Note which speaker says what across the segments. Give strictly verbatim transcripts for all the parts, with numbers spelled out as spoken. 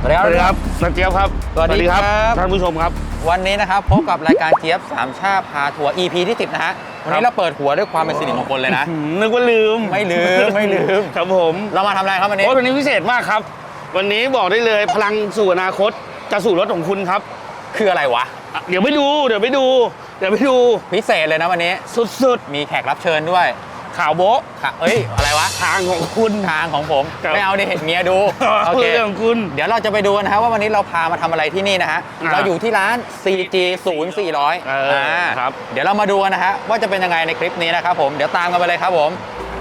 Speaker 1: สวัสดีครับนักเจี๊ยบครับ
Speaker 2: สวัสดีครับ
Speaker 1: ท่านผู้ชมครับ
Speaker 2: วันนี้นะครับพบกับรายการเจี๊ยบสามชาพาทัวร์ อี พี ที่สิบนะฮะวันนี้เราเปิดหัวด้วยความเป็นสิริมงคลเลยนะ
Speaker 1: นึกว่าลืม
Speaker 2: ไม่ลืมไม่ลืม
Speaker 1: ครับผม
Speaker 2: เรามาทำอะไรครับวันนี้
Speaker 1: โอ้วันนี้พิเศษมากครับวันนี้บอกได้เลยพลังสู่อนาคตจะสู่รถของคุณครับ
Speaker 2: คืออะไรวะ
Speaker 1: เดี๋ยวไปดูเดี๋ยวไปดูเดี๋ยวไปดู
Speaker 2: พิเศษเลยนะวันนี้
Speaker 1: สุด
Speaker 2: ๆมีแขกรับเชิญด้วย
Speaker 1: ข่าวโบ๊ะ
Speaker 2: เอ้ยอะไรวะ
Speaker 1: ทางของคุณ
Speaker 2: ทางของผมไม่เอาดิเห็นเมียดู
Speaker 1: โอเคของคุณ
Speaker 2: เดี๋ยวเราจะไปดูนะฮะว่าวันนี้เราพามาทำอะไรที่นี่นะฮะเราอยู่ที่ร้าน ซี จี ศูนย์ สี่ร้อย
Speaker 1: อ่าครับ
Speaker 2: เดี๋ยวเรามาดูกันนะฮะว่าจะเป็นยังไงในคลิปนี้นะครับผมเดี๋ยวตามกันไปเลยครับผม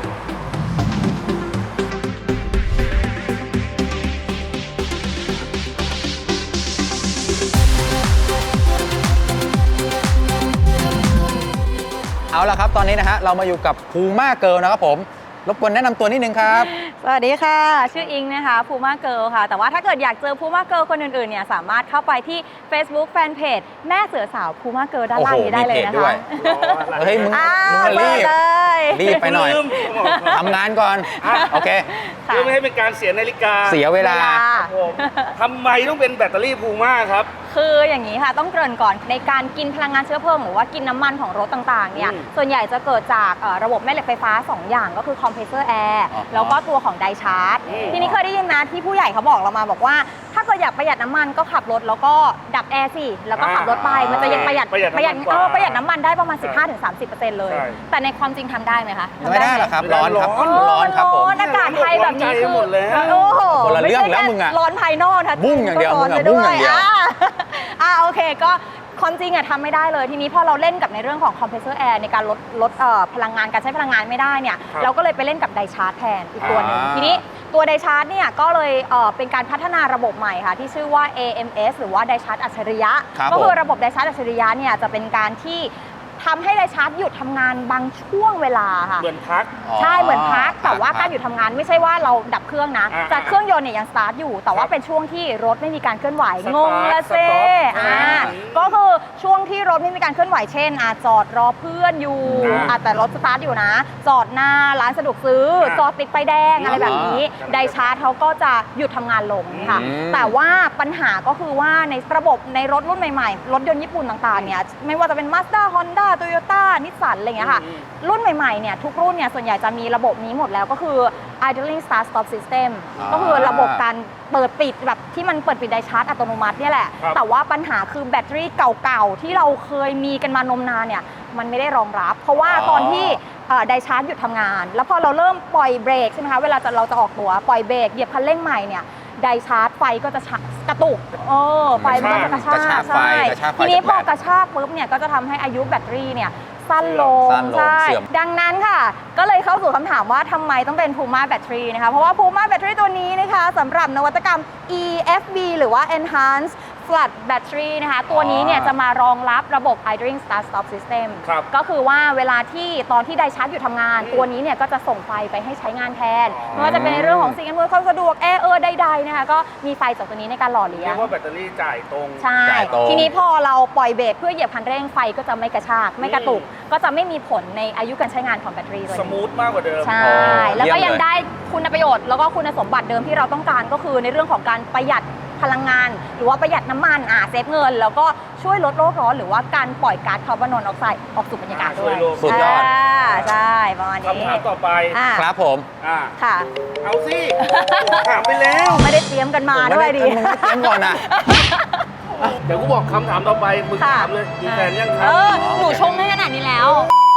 Speaker 2: เอาละครับตอนนี้นะฮะเรามาอยู่กับพูม่าเกิร์ลนะครับผมรบกวนแนะนำตัวนิดนึงครับ
Speaker 3: สวัสดีค่ะชื่ออิงนะคะพูม่าเกิร์ลค่ะแต่ว่าถ้าเกิดอยากเจอพูม่าเกิร์ลคนอื่นๆเนี่ยสามารถเข้าไปที่ Facebook Fanpage แม่เสือสาวพูม่าเกิร์ลด้านล่างนี้ได้เลยนะคะ
Speaker 2: เฮ้ยมึงมึงรีบรีบไปหน่อยทำงานก่อนโอเค
Speaker 1: เพื่อไม่ให้เป็นการเสียนาฬิกา
Speaker 2: เสียเวลา
Speaker 1: ทำไมต้องเป็นแบตเตอรี่พูม่าครับ
Speaker 3: คืออย่างนี้ค่ะต้องเกริ่นก่อนในการกินพลังงานเชื้อเพลิงหรือว่ากินน้ำมันของรถต่างๆเนี่ยส่วนใหญ่จะเกิดจากระบบแม่เหล็กไฟฟ้าสองอย่างก็คือคอมเพรสเซอร์แอร์แล้วก็ตัวของไดชาร์จทีนี้เคยได้ยินนะที่ผู้ใหญ่เขาบอกเรามาบอกว่าถ้าเกิดอยากประหยัดน้ำมันก็ขับรถแล้วก็ดับแอร์สิแล้วก็ขับรถไปมันจะยังประหยัดประหยัดเออประหยัดน้ำมันได้ประมาณ สิบห้าถึงสามสิบเปอร์เซ็นต์ เลยแต่ในความจริงทำได้ไหมคะ
Speaker 2: ไม่ได้หรอกครับร้อนครับ
Speaker 3: ร้อนครับผมอากาศไทยแบบนี้คือโอ้โห
Speaker 2: ไม่ใช่แค่
Speaker 3: ร้อนภายนอกนะ
Speaker 2: บุ้งอย่างเดียวบุ้งอย่างเดียว
Speaker 3: อ่าโอเคก็ความจริงอะทำไม่ได้เลยทีนี้พอเราเล่นกับในเรื่องของคอมเพรสเซอร์แอร์ในการลดลดพลังงานการใช้พลังงานไม่ได้เนี่ยเราก็เลยไปเล่นกับไดชาร์จแทนอีกตัวหนึ่งทีนี้ตัวไดชาร์จเนี่ยก็เลยเป็นการพัฒนาระบบใหม่ค่ะที่ชื่อว่า เอ เอ็ม เอส หรือว่าไดชาร์จอัจฉริยะก็คือระบบไดชาร์จอัจฉริยะเนี่ยจะเป็นการที่ทำให้ไดชาร์จหยุดทำงานบางช่วงเวลาค่ะ
Speaker 1: เหมือนพัก
Speaker 3: ใช่เหมือนพักแต่ว่าการหยุดทำงานไม่ใช่ว่าเราดับเครื่องนะแต่เครื่องยนต์เนี่ยยังสตาร์ทอยู่แต่ว่าเป็นช่วงที่รถไม่มีการเคลื่อนไหวงงละเซ่อ่าก็คือช่วงที่รถไม่มีการเคลื่อนไหวเช่นอ่ะจอดรอเพื่อนอยู่อ่ะแต่รถสตาร์ทอยู่นะจอดหน้าร้านสะดวกซื้อจอดติดไฟแดงอะไรแบบนี้ไดชาร์จเขาก็จะหยุดทำงานลงค่ะแต่ว่าปัญหาก็คือว่าในระบบในรถรุ่นใหม่ๆรถยนต์ญี่ปุ่นต่างๆเนี่ยไม่ว่าจะเป็น Mazda Honda Toyota นิสสันอะไรอย่างเงี้ยค่ะรุ่นใหม่ๆเนี่ยทุกรุ่นเนี่ยส่วนใหญ่จะมีระบบนี้หมดแล้วก็คือ idling start stop system ก็คือระบบการเปิดปิดแบบที่มันเปิดปิดไดชาร์จอัตโนมัติเนี่ยแหละแต่ว่าปัญหาคือแบตเตอรี่เก่าๆที่เราเคยมีกันมานมนานเนี่ยมันไม่ได้รองรับเพราะว่าตอนที่ไดชาร์จหยุดทำงานแล้วพอเราเริ่มปล่อยเบรกใช่ไหมคะเวลาจะเราจะออกตัวปล่อยเบรกเหยียบคันเร่งใหม่เนี่ยไดชาร์จไฟก็จะกระตุกเออไฟมันก็จะกระชากใช่ทีนี้พอกระชากปุ๊บเนี่ยก็จะทำให้อายุแบตเตอรี่เนี่ยสั้นลงใช่ดังนั้นค่ะก็เลยเข้าสู่คำถามว่าทำไมต้องเป็น Puma Battery นะคะเพราะว่า Puma Battery ตัวนี้นะคะสำหรับนวัตกรรม อี เอฟ บี หรือว่า Enhanced Flood Battery นะคะตัวนี้เนี่ยจะมารองรับระบบ idling start stop system ก็คือว่าเวลาที่ตอนที่ไดชาร์จอยู่ทำงานตัวนี้เนี่ยก็จะส่งไฟไปให้ใช้งานแทนไม่ว่าจะเป็นในเรื่องของสิ่งอำนวยความสะดวกแอร์เออใดๆนะคะก็มีไฟจากตัวนี้ในการหล่อเลี้ยง
Speaker 1: เรียกว่าแบตเตอรี่จ่ายตรง
Speaker 3: ใช่ทีนี้พอเราปล่อยเบรกเพื่อเหยียบคันเร่งไฟก็จะไม่กระชากไม่กระตุกก็จะไม่มีผลในอายุการใช้งานของแบตเตอรี่เลย
Speaker 1: สมูทมากกว่าเดิม
Speaker 3: ใช่แล้วก็ยังได้คุณประโยชน์แล้วก็คุณสมบัติเดิมที่เราต้องการก็คือในเรื่องของการประหยัดพลังงานหรือว่าประหยัดน้ำมันอ่าเซฟเงินแล้วก็ช่วยลดโลกร้อนหรือว่าการปล่อยก๊าซคาร์บอนมอนอกไซด์ออกสู่บรรยากาศด้วย
Speaker 2: สุดยอด
Speaker 3: ใช่ประมาณนี้
Speaker 1: คำถามต่อไป
Speaker 2: ครับผม
Speaker 3: ค่ะ
Speaker 1: เอาสิถามไปแล้ว
Speaker 3: ไม่ได้เตรียมกันมาด้วยดิ
Speaker 2: มึงไม่เตรียมก่อนนะ
Speaker 1: เดี๋ยวกูบอกคำถามต่อไปมึงถามเลยมีแฟนยังครับ
Speaker 3: เออหนูชงให้ขนาดนี้แล้ว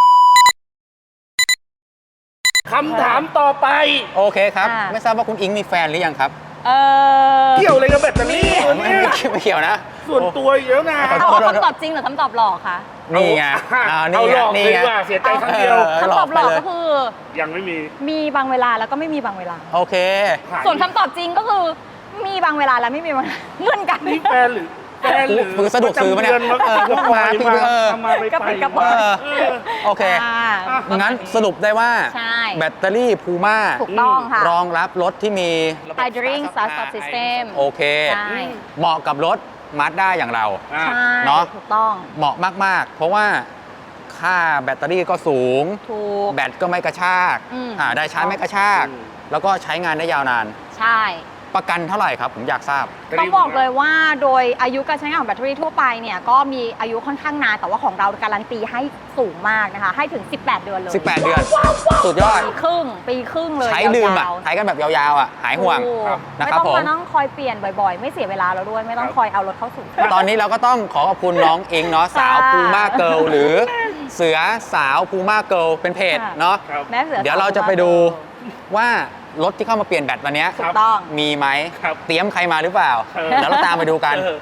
Speaker 1: คำถามต่อไป
Speaker 2: โอเคครับไม่ทราบว่าคุณอิงมีแฟนหรือยังครับ
Speaker 3: เออ
Speaker 1: เกี่ยวอะไรกับแบตเตอรี่
Speaker 2: ไม่ไม่เกี่ยวนะ
Speaker 1: ส่วนตัวเยอะนะ
Speaker 3: เอาคำตอบจริงหรือคำตอบหลอกคะ
Speaker 2: นี่ไง
Speaker 1: เอาหลอกดีกว่าเสียใจครั้งเดียว
Speaker 3: คำตอบหลอกก็คือ
Speaker 1: ยังไม่มี
Speaker 3: มีบางเวลาแล้วก็ไม่มีบางเวลา
Speaker 2: โอเค
Speaker 3: ส่วนคำตอบจริงก็คือมีบางเวลาแล้วไม่มีบางเหมือนกัน
Speaker 1: นี่แฟนหรือแฟนหรือ
Speaker 2: มือสะดวกซื้อมาเนี่ย
Speaker 1: เออมาพี่เออก
Speaker 3: ระปิดกระปอย
Speaker 2: โอเคงั้นสรุปได้ว่าแบตเตอรี่พูม่า
Speaker 3: ถูกต้องค่ะ
Speaker 2: รองรับรถที่มี
Speaker 3: idling start stop system
Speaker 2: โอเคเหมาะกับรถมาสด้าอย่างเรา
Speaker 3: เนาะถูกต้อง
Speaker 2: เหมาะมากๆเพราะว่าค่าแบตเตอรี่ก็สูงแบตก็ไม่กระชากได้ชาร์จไม่กระชากแล้วก็ใช้งานได้ยาวนาน
Speaker 3: ใช่
Speaker 2: ปประกันเท่าไหร่ครับผมอยากทราบ
Speaker 3: ต้องบอกเลยว่าโดยอายุการใช้งานของแบตเตอรี่ทั่วไปเนี่ยก็มีอายุค่อนข้างนานแต่ว่าของเราการันตีให้สูงมากนะคะให้ถึงสิบแปดเดือนเลย
Speaker 2: สิบแปด เดือน สุดยอด
Speaker 3: ปีครึ่งปีครึ่งเลย
Speaker 2: ใช้ดื่มอ่ะ
Speaker 3: ยาวๆ
Speaker 2: ใช้กันแบบยาวๆอ่ะหายห่วง
Speaker 3: ถูก
Speaker 2: นะ
Speaker 3: ไม่
Speaker 2: ครับ
Speaker 3: ต้อง
Speaker 2: ผม
Speaker 3: มานั่งคอยเปลี่ยนบ่อยๆ ไม่เสียเวลาเราด้วย ไม่ต้องคอยเอารถเข้าสู่
Speaker 2: ตอนนี้เราก็ต้องขอขอบคุณน้องอิงเนาะสาว
Speaker 3: ค่ะ
Speaker 2: พูม่าเกิลหรือเสือสาวพูม่าเกิลเป็นเพจ
Speaker 3: ค่ะ
Speaker 2: เนาะ
Speaker 1: ครับ
Speaker 3: แม่เสือ
Speaker 2: เดี๋ยวเราจะไปดูว่ารถที่เข้ามาเปลี่ยนแบตวันเนี้ย
Speaker 3: ถูกต้อง
Speaker 2: มีไหม
Speaker 1: ครับ
Speaker 2: เตรียมใครมาหรือเปล่า
Speaker 1: เออ
Speaker 2: เดี๋ยวเราตามไปดูกัน
Speaker 1: เออ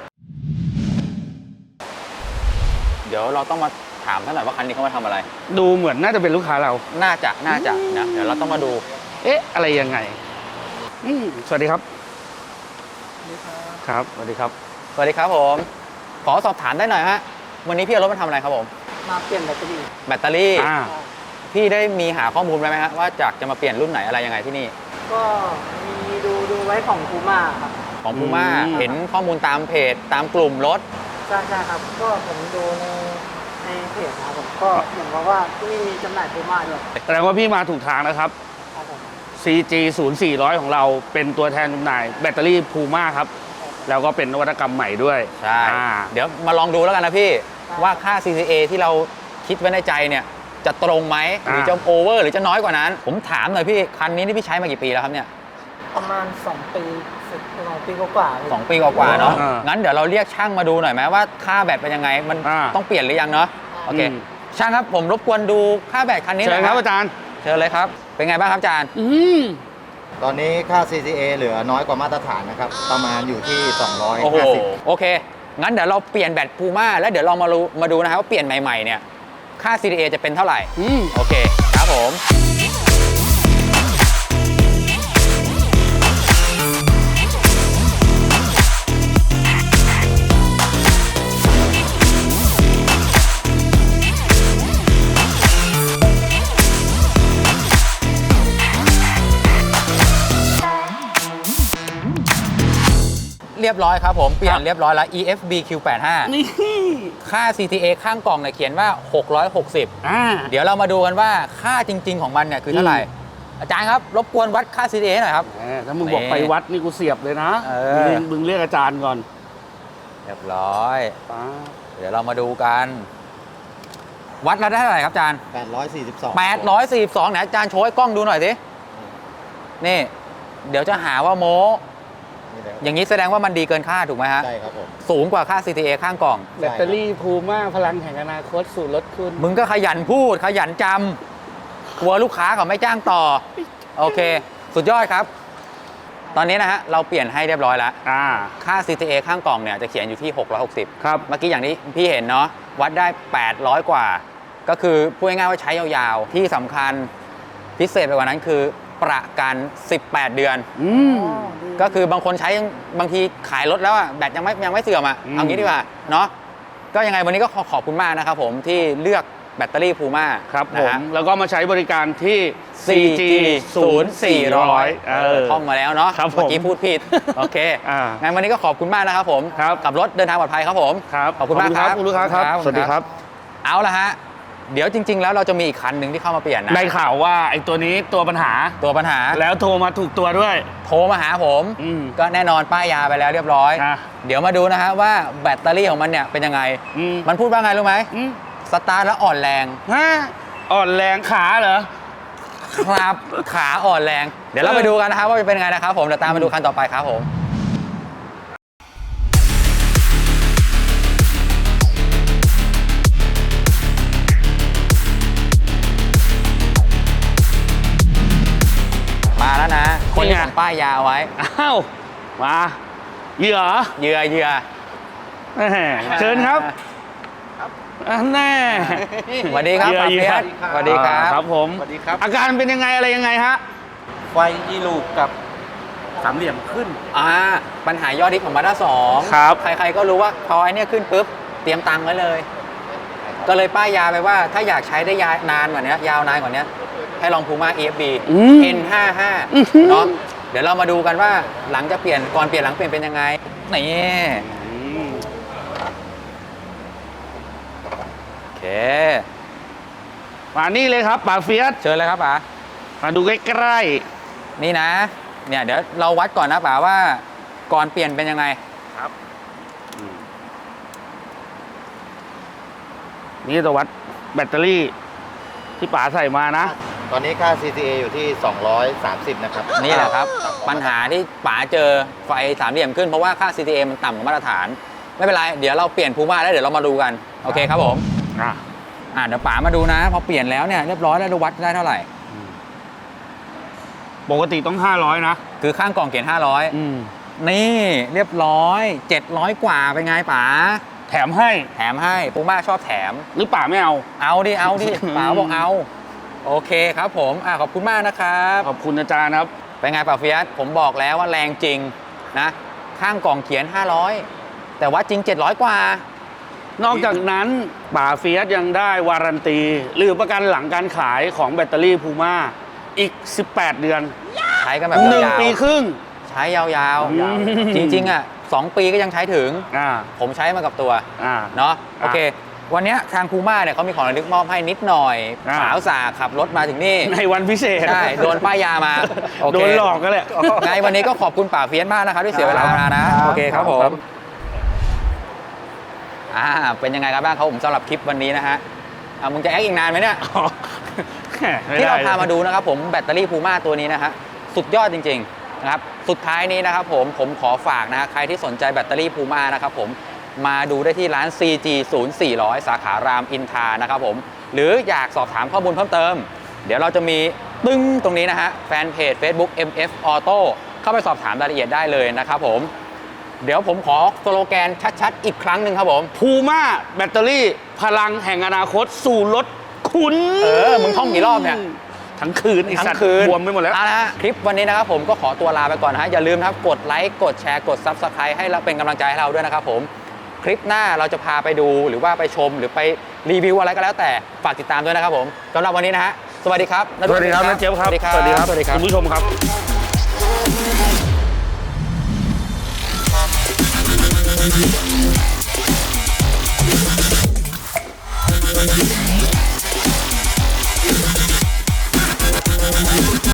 Speaker 2: เดี๋ยวเราต้องมาถามท่านหน่อยว่าคันนี้เขามาทำอะไร
Speaker 1: ดูเหมือนน่าจะเป็นลูกค้าเรา
Speaker 2: น่าจะน่าจะนะเดี๋ยวเราต้องมาดู
Speaker 1: เอ๊ะ อะไรยังไงอืมสวัสดีครับ ครับ สวัสดีครับ
Speaker 2: สวัสดีครับผม ขอสอบถามได้หน่อยฮะวันนี้พี่เอารถมาทำอะไรครับผม
Speaker 4: มาเปลี่ยนแบตเตอรี่
Speaker 2: แบตเตอรี่
Speaker 1: อ่า
Speaker 2: พี่ได้มีหาข้อมูลไว้ไหมฮะว่าจากจะมาเปลี่ยนรุ่นไหนอะไรยังไงที่นี่
Speaker 4: ก็มีดูดูไว้ของคูม่าครับ
Speaker 2: ของพูม่า
Speaker 1: อืม
Speaker 2: เห็นข้อมูลตามเพจตามกลุ่มรถ
Speaker 4: ใช่ใช่ครับ ก็ผมดูในในเพจนะครับผมก็เห็นว่าว่าที่นี่มีจำหน่ายคูม่าด้วย
Speaker 1: แสดงว่าพี่มาถูกทางนะครับ
Speaker 4: ครับผม
Speaker 1: ซี จี ศูนย์ สี่ร้อย ของเราเป็นตัวแทนจำหน่ายแบตเตอรี่พูม่าครับ แล้วก็เป็นนวัตกรรมใหม่ด้วย
Speaker 2: ใช่
Speaker 1: อ่า
Speaker 2: เดี๋ยวมาลองดูแล้วกันนะพี่ ว่าค่า ซี ซี เอ ที่เราคิดไว้ในใจเนี่ย จะตรงไหมหรือจะโอเวอร์หรือจะน้อยกว่านั้น ผมถามหน่อยพี่ คันนี้นี่พี่ใช้มากี่ปีแล้วครับเนี่ย
Speaker 4: ประมาณสองปีสิบสองปีกว่าๆเลย
Speaker 2: สองปีกว่าๆเนาะ
Speaker 1: อ่างั้
Speaker 2: งั้นเดี๋ยวเราเรียกช่างมาดูหน่อยไหมว่าค่าแบตเป็นยังไง มัน
Speaker 1: อ่า
Speaker 2: ต้องเปลี่ยนหรือยังเนาะ โอเค
Speaker 1: อืม
Speaker 2: ช่างครับผมรบกวนดูค่าแบตคันนี้ห
Speaker 1: เชิ
Speaker 2: น่
Speaker 1: ญ
Speaker 2: อย
Speaker 1: ครับอาจารย์
Speaker 2: เชิญเลยครับ เป็นไงบ้างครับอาจารย์
Speaker 1: อืม
Speaker 5: ตอนนี้ค่า ซี ซี เอ เหลือน้อยกว่ามาตรฐานนะครับ ประมาณอยู่ที่ สองร้อย
Speaker 2: โอ้โห
Speaker 5: ห้าสิบ
Speaker 2: โอเค งั้นเดี๋ยวเราเปลี่ยนแบตพูม่าแล้วเดี๋ยวเรามาดูมาดูนะครับว่าเปลี่ยนใหม่ๆเนี่ย ค่า ซี ดี เอ จะเป็นเท่าไหร่
Speaker 1: อืม
Speaker 2: โอเค ครับผม เรียบร้อยครับผม เปลี่ย
Speaker 1: ครั
Speaker 2: น
Speaker 1: บ
Speaker 2: เรียบร้อยแล้ว อี เอฟ บี คิว แปดห้า
Speaker 1: นี่
Speaker 2: ค่า ซี ที เอ ข้างกล่องเนี่ยเขียนว่า หกร้อยหกสิบ
Speaker 1: อ่า
Speaker 2: เดี๋ยวเรามาดูกันว่าค่าจริง ๆ ของมันเนี่ยคือเท่าไหร่ อาจารย์ครับ รบกวนวัดค่า ซี ที เอ หน่อยครับ
Speaker 1: แหมถ้ามึงบอกไปวัดนี่กูเสียบเลยนะ
Speaker 2: เออ
Speaker 1: มึงมึงเรียกอาจารย์ก่อน
Speaker 2: เรียบร้อย
Speaker 1: ป๊า
Speaker 2: เดี๋ยวเรามาดูกัน วัดแล้วได้เท่าไหร่ครับอาจารย์
Speaker 5: แปดร้อยสี่สิบสอง
Speaker 2: แปดร้อยสี่สิบสองไหนอาจารย์โชว์ให้กล้องดูหน่อยสิ นี่ เดี๋ยวจะหาว่าโม้
Speaker 5: นี่แหละ
Speaker 2: อย่างนี้แสดงว่ามันดีเกินค่าถูกไหมฮะ
Speaker 5: ใช่ครับผม
Speaker 2: สูงกว่าค่า ซี ที เอ ข้างกล่อง
Speaker 1: แบตเตอรี่พูม่าพลังแห่งอนาคตสู่รถคุณ
Speaker 2: มึงก็ขยันพูดขยันจำกลัวลูกค้าเขาไม่จ้างต่อ โอเค สุดยอดครับ ตอนนี้นะฮะ เราเปลี่ยนให้เรียบร้อยแล้ว
Speaker 1: อ่า
Speaker 2: ค่า ซี ที เอ ข้างกล่องเนี่ยจะเขียนอยู่ที่ หกร้อยหกสิบ
Speaker 1: ครับ
Speaker 2: เมื่อกี้อย่างที่พี่เห็นเนาะวัดได้ แปดร้อย กว่า ก็คือพูดง่ายๆว่าใช้ยาวๆ ที่สำคัญพิเศษไปกว่านั้นคือประกัน สิบแปด เดือน
Speaker 1: อืม
Speaker 2: ก็คือบางคนใช้ยังบางทีขายรถแล้วอะแบตยังไม่ยังไม่เสื่อมอะ
Speaker 1: อืม
Speaker 2: เอางี้ดีกว่าเนาะก็ยังไงวันนี้ก็ขอขอบคุณมากนะครับผมที่เลือกแบตเตอรี่พูม่า
Speaker 1: ครับผ
Speaker 2: นะ
Speaker 1: ม
Speaker 2: ฮะ
Speaker 1: แล้วก็มาใช้บริการที่
Speaker 2: ซี
Speaker 1: ซี
Speaker 2: จี
Speaker 1: จี
Speaker 2: ศู
Speaker 1: ศู
Speaker 2: น
Speaker 1: น
Speaker 2: ย์
Speaker 1: ย์
Speaker 2: สี่
Speaker 1: สี่
Speaker 2: ร้
Speaker 1: ร้
Speaker 2: อ
Speaker 1: อย ยเออ
Speaker 2: ท่องมาแล้วเนาะ
Speaker 1: ครับผม
Speaker 2: เมื่อกี้พูดผิด โอเค
Speaker 1: อ่า
Speaker 2: งั้นวันนี้ก็ขอบคุณมากนะครับผม
Speaker 1: ครับ
Speaker 2: กับรถเดินทางปลอดภัยครับผม
Speaker 1: ครับ
Speaker 2: ขอบคุณมากครับ
Speaker 1: คุณลูกค้าครับ
Speaker 2: ครับ
Speaker 1: สวัสดีครับ
Speaker 2: เอาละฮะ เดี๋ยวจริง ๆ แล้วเราจะมีอีกคันหนึ่งที่เข้ามาเปลี่ยนนะ
Speaker 1: ได้ข่าวว่าไอ้ตัวนี้ตัวปัญหา
Speaker 2: ตัวปัญหา
Speaker 1: แล้วโทรมาถูกตัวด้วย
Speaker 2: โทรมาหาผม
Speaker 1: อืม
Speaker 2: ก็แน่นอนป้ายยาไปแล้วเรียบร้อย
Speaker 1: อ่ะ
Speaker 2: เดี๋ยวมาดูนะฮะว่าแบตเตอรี่ของมันเนี่ยเป็นยังไง
Speaker 1: อืม
Speaker 2: มันพูดว่าไงรู้ไหม
Speaker 1: อืม
Speaker 2: สตาร์ทแล้วอ่อนแรง
Speaker 1: ฮะอ่อนแรงขาเหรอ
Speaker 2: ครับ ขาอ่อนแรง เดี๋ยวเราไปดูกันนะครับว่าจะเป็นยังไงนะครับผมเดี๋ยวตามมาดูคันต่อไปครับผม มาแล้วนะ คนที่ผมป้ายยาไว้
Speaker 1: อ้าว มาเหยื่อ
Speaker 2: เหยื่อเหยื่อ
Speaker 1: แหมเชิญครับอันแน่
Speaker 2: สวัสดีครับ
Speaker 1: เหยื่อ
Speaker 2: ปา
Speaker 1: เหยื่
Speaker 2: เฟี
Speaker 1: อย
Speaker 2: สสวัสดีครับ
Speaker 1: ครับผม
Speaker 5: สวัสดีครับ
Speaker 1: อาการเป็นยังไงอะไรยังไงฮะ
Speaker 5: ไฟอีลูกกับสามเหลี่ยมขึ้น
Speaker 2: อ่าปัญหายอดฮิตของมาด้าสอง
Speaker 1: ครับ
Speaker 2: ใครๆก็รู้ว่าพอไอเนี้ยขึ้นปุ๊บ เตรียมตังค์ไว้เลย ก็เลยป้ายยาไปว่าถ้าอยากใช้ได้ยาวนานกว่านี้ยาวนานกว่านี้ให้ลองพูม่า อี เอฟ บี
Speaker 1: อืม
Speaker 2: เอ็น ห้าสิบห้า
Speaker 1: อื้อหือ
Speaker 2: เนาะเดี๋ยวเรามาดูกันว่าหลังจะเปลี่ยนก่อนเปลี่ยนหลังเปลี่ยนเป็นยังไงนี่
Speaker 1: อืม
Speaker 2: โอเค
Speaker 1: มานี่เลยครับป่าเฟียส
Speaker 2: เชิญเลยครับป๋า
Speaker 1: มาดูใกล้
Speaker 2: นี่นะเนี่ยเดี๋ยวเราวัดก่อนนะป๋าว่าก่อนเปลี่ยนเป็นยังไง
Speaker 1: ครับนี่ตัววัดแบตเตอรี่ที่ป๋าใส่มานะ
Speaker 5: ตอนนี้ค่า ซี ซี เอ อยู่ที่ สองร้อยสามสิบ นะครับ
Speaker 2: นี่แหละครับ ปัญหาที่ป๋าเจอไฟสามเหลี่ยมขึ้นเพราะว่าค่า ซี ที เอ มันต่ำกว่ามาตรฐาน ไม่เป็นไร เดี๋ยวเราเปลี่ยนพูม่าแล้วเดี๋ยวเรามาดูกัน โอเคครับผม
Speaker 1: อ่ะ
Speaker 2: อ่าเดี๋ยวป๋ามาดูนะ พอเปลี่ยนแล้วเนี่ยเรียบร้อยแล้วดูวัดได้เท่าไหร่
Speaker 1: ปกติต้องห้าร้อยนะ
Speaker 2: คือข้างกล่องเขียนห้าร้อย
Speaker 1: อืม
Speaker 2: นี่เรียบร้อยเจ็ดร้อยกว่าเป็นไงป๋า
Speaker 1: แถมให้
Speaker 2: แถมให้พูม่าชอบแถม
Speaker 1: หรือป๋าไม่เอา
Speaker 2: เอาดิเอาดิป๋าบอกเอาโอเคครับผมอ่าขอบคุณมากนะครับ
Speaker 1: ขอบคุณอาจารย์ครับ
Speaker 2: เป็นไงป่าเฟียสผมบอกแล้วว่าแรงจริงนะข้างกล่องเขียนห้าร้อยแต่ว่าจริงเจ็ดร้อยกว่า
Speaker 1: นอกจากนั้นป๋าเฟียสยังได้วารันตี หรือประกันหลังการขายของแบตเตอรี่พูม่าอีก สิบแปด เดือน
Speaker 2: ใช้กันแบบ
Speaker 1: หนึ่ง
Speaker 2: ยาว
Speaker 1: ปีครึ่ง
Speaker 2: ๆใช้ยาว
Speaker 1: อืม
Speaker 2: ๆ จริงๆอ่ะสองปีก็ยังใช้ถึง
Speaker 1: อ่า
Speaker 2: ผมใช้มากับตัว
Speaker 1: อ่า
Speaker 2: เนาะโอเค วันเนี้ยทางพูม่าเนี่ยเขามีของระลึกมอบให้นิดหน่อย
Speaker 1: อ่า
Speaker 2: สาวสาขับรถมาถึงนี่
Speaker 1: ในวันพิเศษ
Speaker 2: ใช่โดนป้ายยามาโอเค
Speaker 1: โดนหลอกก็แหละ
Speaker 2: ไงวันนี้ก็ขอบคุณป่าเฟียสมากนะครับที่เสียเวลามานะโอเคครับผมอ่าเป็นยังไงกันบ้างครับผมสำหรับคลิปวันนี้นะฮะอ่ะมึงจะแอคอีกนานไหมเนี่ย
Speaker 1: ไม่
Speaker 2: ที่
Speaker 1: ได้
Speaker 2: เราพามาดูนะครับผมแบตเตอรี่พูม่าตัวนี้นะฮะสุดยอดจริงๆนะครับสุดท้ายนี้นะครับผมผมขอฝากนะฮะใครที่สนใจแบตเตอรี่พูม่านะครับผมมาดูได้ที่ร้าน ซี จี ศูนย์ สี่ศูนย์ สาขารามอินทรานะครับผมหรืออยากสอบถามข้อมูลเพิ่มเติม เดี๋ยวเราจะมีตึ้งตรงนี้นะฮะแฟนเพจ Facebook เอ็ม เอฟ Auto เข้าไปสอบถามรายละเอียดได้เลยนะครับผมเดี๋ยวผมขอสโลแกนชัดๆอีกครั้งหนึ่งครับผม
Speaker 1: พูม่าแบตเตอรี่พลังแห่งอนาคตสู่รถคุณ
Speaker 2: เออมึงท่องกี่รอบเนี่ย
Speaker 1: ทั้งคืนไอ้
Speaker 2: ทั้
Speaker 1: สัต
Speaker 2: ง
Speaker 1: ว์
Speaker 2: คืน
Speaker 1: บวมไปหมดแล้ว
Speaker 2: เอาละฮะคลิปวันนี้นะครับผมก็ขอตัวลาไปก่อนนะฮะอย่าลืมนะครับกดไลค์กดแชร์กด Subscribe ให้เราเป็นกำลังใจให้เราด้วยนะครับผมคลิปหน้าเราจะพาไปดูหรือว่าไปชมหรือไปรีวิวอะไรก็แล้วแต่ฝากติดตามด้วยนะครับผมสำหรับวันนี้นะฮะสวัสดีครับ
Speaker 1: สวัสดีครับนะเจี๊ยบครับ
Speaker 2: สวัสดีครับ
Speaker 1: สวัสดีครับ คุณผู้ชมครับ
Speaker 6: We'll be right back.